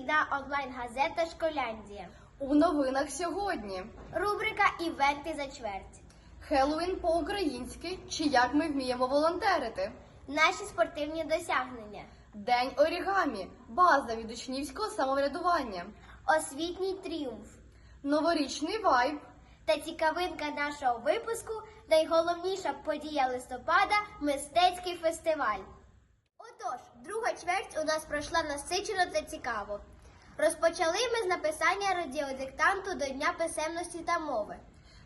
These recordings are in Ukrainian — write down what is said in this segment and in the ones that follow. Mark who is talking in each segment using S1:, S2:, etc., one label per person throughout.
S1: вихідна онлайн-газета «Школяндія».
S2: У новинах сьогодні.
S1: Рубрика «Івенти за чверть».
S2: Хеллоуін по-українськи чи як ми вміємо волонтерити.
S1: Наші спортивні досягнення.
S2: День орігамі. База від учнівського самоврядування.
S1: Освітній тріумф.
S2: Новорічний вайб.
S1: Та цікавинка нашого випуску – найголовніша подія листопада – мистецький фестиваль. Отож, друга чверть у нас пройшла насичено та цікаво. Розпочали ми з написання радіодиктанту до Дня писемності та мови.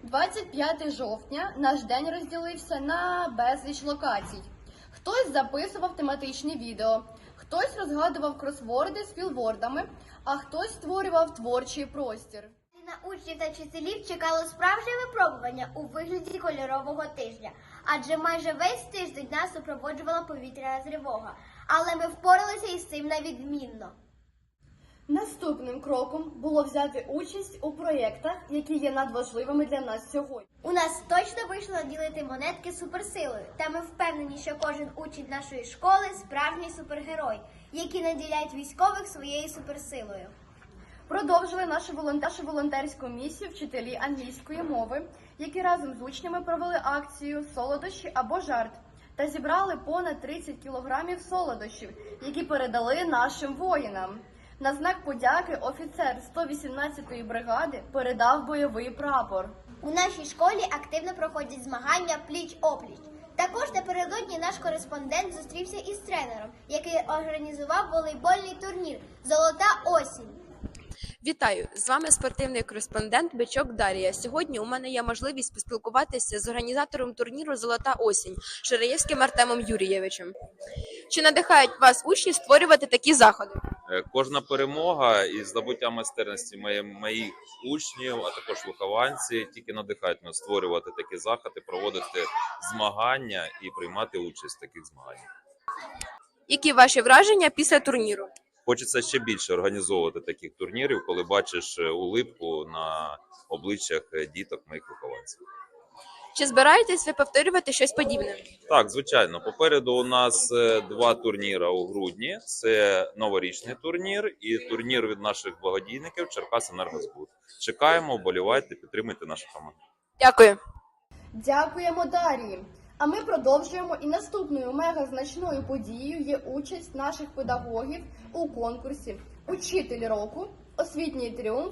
S2: 25 жовтня наш день розділився на безліч локацій. Хтось записував тематичні відео, хтось розгадував кросворди з філвордами, а хтось створював творчий простір.
S1: На учнів та вчителів чекало справжнє випробування у вигляді кольорового тижня, адже майже весь тиждень нас супроводжувала повітряна тривога, але ми впоралися із цим на відмінно.
S2: Наступним кроком було взяти участь у проєктах, які є надважливими для нас сьогодні.
S1: У нас точно вийшло наділити монетки суперсилою, та ми впевнені, що кожен учень нашої школи – справжній супергерой, який наділяють військових своєю суперсилою.
S2: Продовжили нашу волонтерську місію вчителі англійської мови, які разом з учнями провели акцію «Солодощі або жарт» та зібрали понад 30 кілограмів солодощів, які передали нашим воїнам. На знак подяки офіцер 118-ї бригади передав бойовий прапор.
S1: У нашій школі активно проходять змагання пліч-опліч. Також напередодні наш кореспондент зустрівся із тренером, який організував волейбольний турнір «Золота осінь».
S3: Вітаю! З вами спортивний кореспондент Бичок Дар'я. Сьогодні у мене є можливість поспілкуватися з організатором турніру «Золота осінь» Ширеєвським Артемом Юрійовичем. Чи надихають вас учні створювати такі заходи?
S4: Кожна перемога і здобуття майстерності моїх учнів, а також вихованці, тільки надихають нас створювати такі заходи, проводити змагання і приймати участь в таких змаганнях.
S3: Які ваші враження після турніру?
S4: Хочеться ще більше організовувати таких турнірів, коли бачиш улипку на обличчях діток моїх вихованців.
S3: Чи збираєтесь ви повторювати щось подібне?
S4: Так, звичайно. Попереду у нас 2 турніри у грудні. Це новорічний турнір і турнір від наших благодійників «Черкасенергозбут». Чекаємо, вболівайте, підтримуйте нашу команду.
S3: Дякую.
S2: Дякуємо, Дар'ї! А ми продовжуємо, і наступною мегазначною подією є участь наших педагогів у конкурсі «Учитель року. Освітній тріумф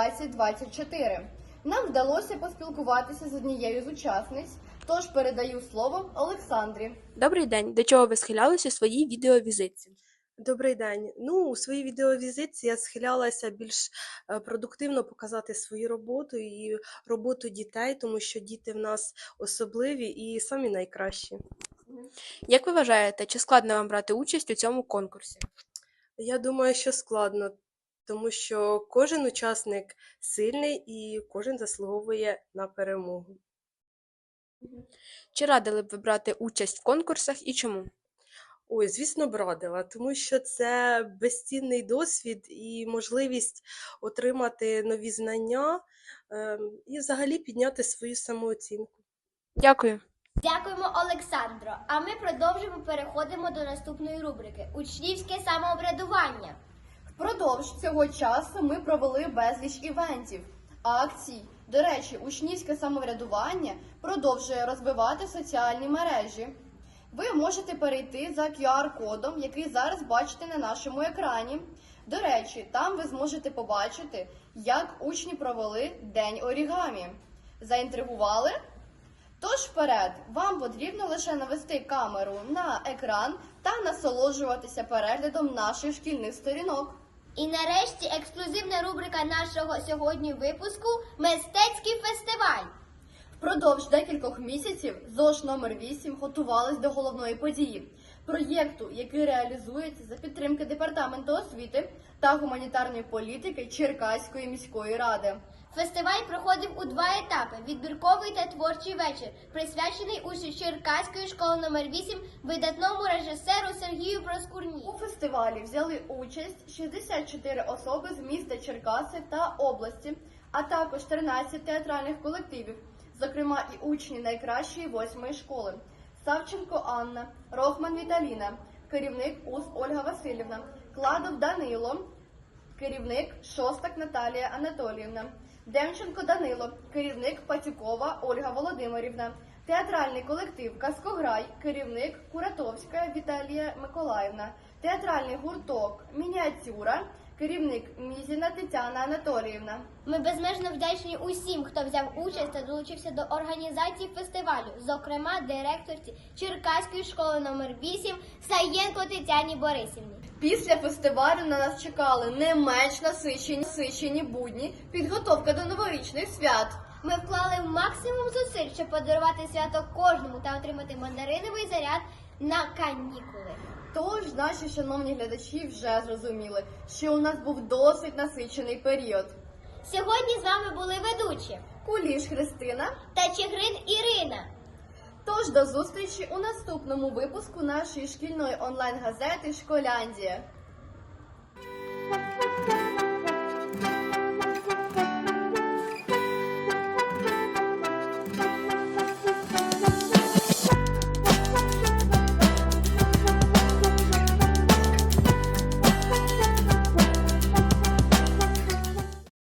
S2: 2024». Нам вдалося поспілкуватися з однією з учасниць, тож передаю слово Олександрі.
S3: Добрий день. До чого ви схилялися у своїй відеовізитці?
S5: Добрий день. У своїй відеовізитці я схилялася більш продуктивно показати свою роботу і роботу дітей, тому що діти в нас особливі і самі найкращі.
S3: Як ви вважаєте, чи складно вам брати участь у цьому конкурсі?
S5: Я думаю, що складно, тому що кожен учасник сильний і кожен заслуговує на перемогу.
S3: Чи радили б ви брати участь в конкурсах і чому?
S5: Ой, звісно, б радила, тому що це безцінний досвід і можливість отримати нові знання і взагалі підняти свою самооцінку.
S3: Дякую.
S1: Дякуємо, Олександро. А ми переходимо до наступної рубрики «Учнівське самоврядування».
S2: Впродовж цього часу ми провели безліч івентів, акцій. До речі, учнівське самоврядування продовжує розвивати соціальні мережі. Ви можете перейти за QR-кодом, який зараз бачите на нашому екрані. До речі, там ви зможете побачити, як учні провели День орігамі. Заінтригували? Тож вперед, вам потрібно лише навести камеру на екран та насолоджуватися переглядом наших шкільних сторінок.
S1: І нарешті ексклюзивна рубрика нашого сьогодні випуску «Мистецький фестиваль».
S2: Впродовж декількох місяців ЗОШ номер 8 готувалась до головної події – проєкту, який реалізується за підтримки Департаменту освіти та гуманітарної політики Черкаської міської ради.
S1: Фестиваль проходив у 2 етапи – відбірковий та творчий вечір, присвячений учню Черкаської школи номер 8 видатному режисеру Сергію Проскурні.
S2: У фестивалі взяли участь 64 особи з міста Черкаси та області, а також 13 театральних колективів, зокрема і учні найкращої 8-ї школи – Савченко Анна, Рохман Віталіна, керівник УЗ Ольга Васильівна, Кладов Данило, керівник Шостак Наталія Анатоліївна, Демченко Данило, керівник Патюкова Ольга Володимирівна, театральний колектив Казкограй, керівник Куратовська Віталія Миколаївна, театральний гурток Мініатюра, керівник Мізіна Тетяна Анатоліївна.
S1: Ми безмежно вдячні усім, хто взяв участь та долучився до організації фестивалю, зокрема директорці Черкаської школи номер 8 Саєнко Тетяні Борисівні.
S2: Після фестивалю на нас чекали не менш насичені будні, підготовка до новорічних свят.
S1: Ми вклали максимум зусиль, щоб подарувати свято кожному та отримати мандариновий заряд на канікули.
S2: Тож наші шановні глядачі вже зрозуміли, що у нас був досить насичений період.
S1: Сьогодні з вами були ведучі
S2: Куліш Христина.
S1: та Чигрин Ірина.
S2: Тож до зустрічі у наступному випуску нашої шкільної онлайн-газети «Школяндія».